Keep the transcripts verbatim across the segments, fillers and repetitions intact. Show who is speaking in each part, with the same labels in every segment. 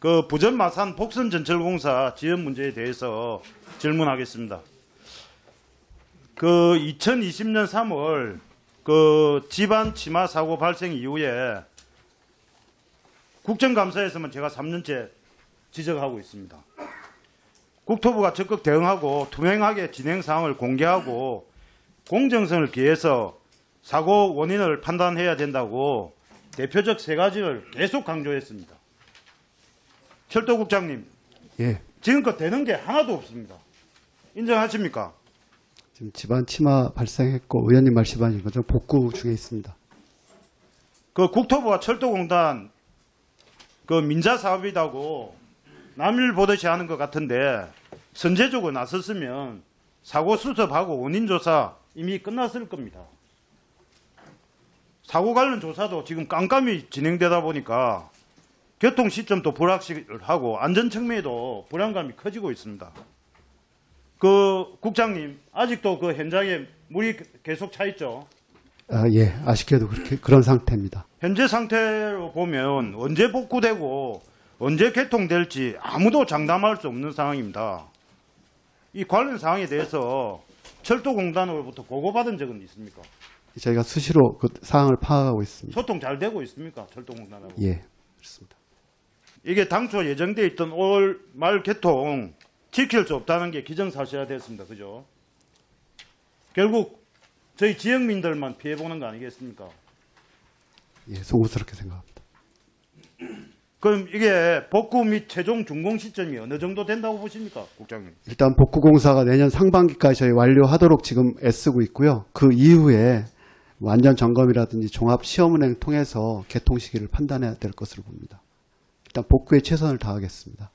Speaker 1: 그 부전 마산 복선전철공사 지연 문제에 대해서 질문하겠습니다. 그 이천이십 년 삼월 그 집안 치마 사고 발생 이후에 국정감사에서만 제가 삼 년째 지적하고 있습니다. 국토부가 적극 대응하고 투명하게 진행 사항을 공개하고 공정성을 기해서 사고 원인을 판단해야 된다고 대표적 세 가지를 계속 강조했습니다. 철도국장님,
Speaker 2: 예,
Speaker 1: 지금껏 되는 게 하나도 없습니다. 인정하십니까?
Speaker 2: 지금 집안 치마 발생했고 의원님 말씀하신 것처럼 복구 중에 있습니다.
Speaker 1: 그 국토부와 철도공단 그 민자 사업이라고 남일 보듯이 하는 것 같은데 선제적으로 나섰으면 사고 수습하고 원인 조사 이미 끝났을 겁니다. 사고 관련 조사도 지금 깜깜이 진행되다 보니까 교통 시점도 불확실하고 안전 측면에도 불안감이 커지고 있습니다. 그 국장님 아직도 그 현장에 물이 계속 차 있죠?
Speaker 2: 아, 예, 아쉽게도 그렇게 그런 상태입니다.
Speaker 1: 현재 상태로 보면 언제 복구되고 언제 개통될지 아무도 장담할 수 없는 상황입니다. 이 관련 사항에 대해서 철도공단으로부터 보고받은 적은 있습니까?
Speaker 2: 저희가 수시로 그 사항을 파악하고 있습니다.
Speaker 1: 소통 잘 되고 있습니까? 철도공단하고.
Speaker 2: 예, 그렇습니다.
Speaker 1: 이게 당초 예정돼 있던 올 말 개통 지킬 수 없다는 게 기정사실화됐습니다. 그죠? 결국 저희 지역민들만 피해보는 거 아니겠습니까?
Speaker 2: 예, 송구스럽게 생각합니다.
Speaker 1: 그럼 이게 복구 및 최종 준공 시점이 어느 정도 된다고 보십니까, 국장님?
Speaker 2: 일단 복구공사가 내년 상반기까지 저희 완료하도록 지금 애쓰고 있고요. 그 이후에 완전 점검이라든지 종합 시험 운행 통해서 개통 시기를 판단해야 될 것으로 봅니다. 일단 복구에 최선을 다하겠습니다.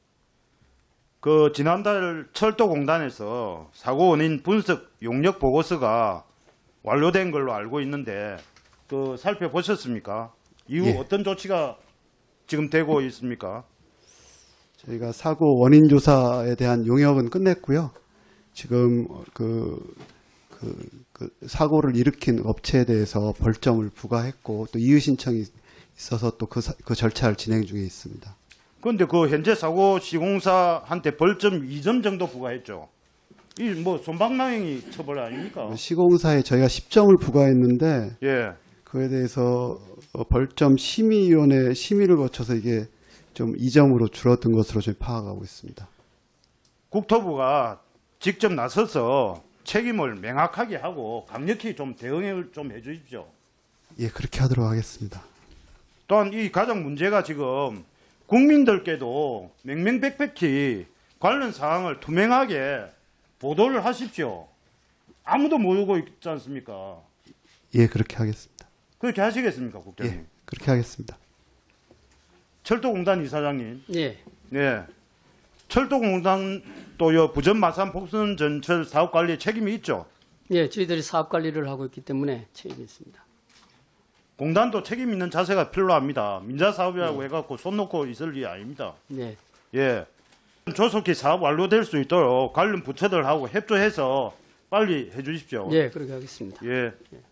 Speaker 1: 그 지난달 철도공단에서 사고 원인 분석 용역 보고서가 완료된 걸로 알고 있는데 그 살펴보셨습니까? 이후
Speaker 2: 예.
Speaker 1: 어떤 조치가 지금 되고 있습니까?
Speaker 2: 저희가 사고 원인 조사에 대한 용역은 끝냈고요. 지금 그, 그, 그 사고를 일으킨 업체에 대해서 벌점을 부과했고 또 이의 신청이 있어서 또 그 그 절차를 진행 중에 있습니다.
Speaker 1: 그런데 그 현재 사고 시공사한테 벌점 이 점 정도 부과했죠. 이 뭐 손방망이 처벌 아닙니까?
Speaker 2: 시공사에 저희가 십 점을 부과했는데
Speaker 1: 예.
Speaker 2: 그에 대해서 벌점 심의위원회 심의를 거쳐서 이게 좀 이 점으로 줄어든 것으로 저희 파악하고 있습니다.
Speaker 1: 국토부가 직접 나서서 책임을 명확하게 하고 강력히 좀 대응을 좀 해주십시오.
Speaker 2: 예, 그렇게 하도록 하겠습니다.
Speaker 1: 또한 이 가장 문제가 지금 국민들께도 명명백백히 관련 사항을 투명하게 보도를 하십시오. 아무도 모르고 있지 않습니까?
Speaker 2: 예, 그렇게 하겠습니다.
Speaker 1: 그렇게 하시겠습니까, 국장님?
Speaker 2: 예, 그렇게 하겠습니다.
Speaker 1: 철도공단 이사장님.
Speaker 3: 예.
Speaker 1: 네. 철도공단 또요 부전 마산 복선 전철 사업 관리에 책임이 있죠.
Speaker 3: 예, 저희들이 사업 관리를 하고 있기 때문에 책임이 있습니다.
Speaker 1: 공단도 책임 있는 자세가 필요합니다. 민자 사업이라고
Speaker 3: 네.
Speaker 1: 해갖고 손 놓고 있을 일이 아닙니다.
Speaker 3: 네.
Speaker 1: 예. 조속히 사업 완료될 수 있도록 관련 부처들하고 협조해서 빨리 해주십시오.
Speaker 3: 예, 그렇게 하겠습니다.
Speaker 1: 예.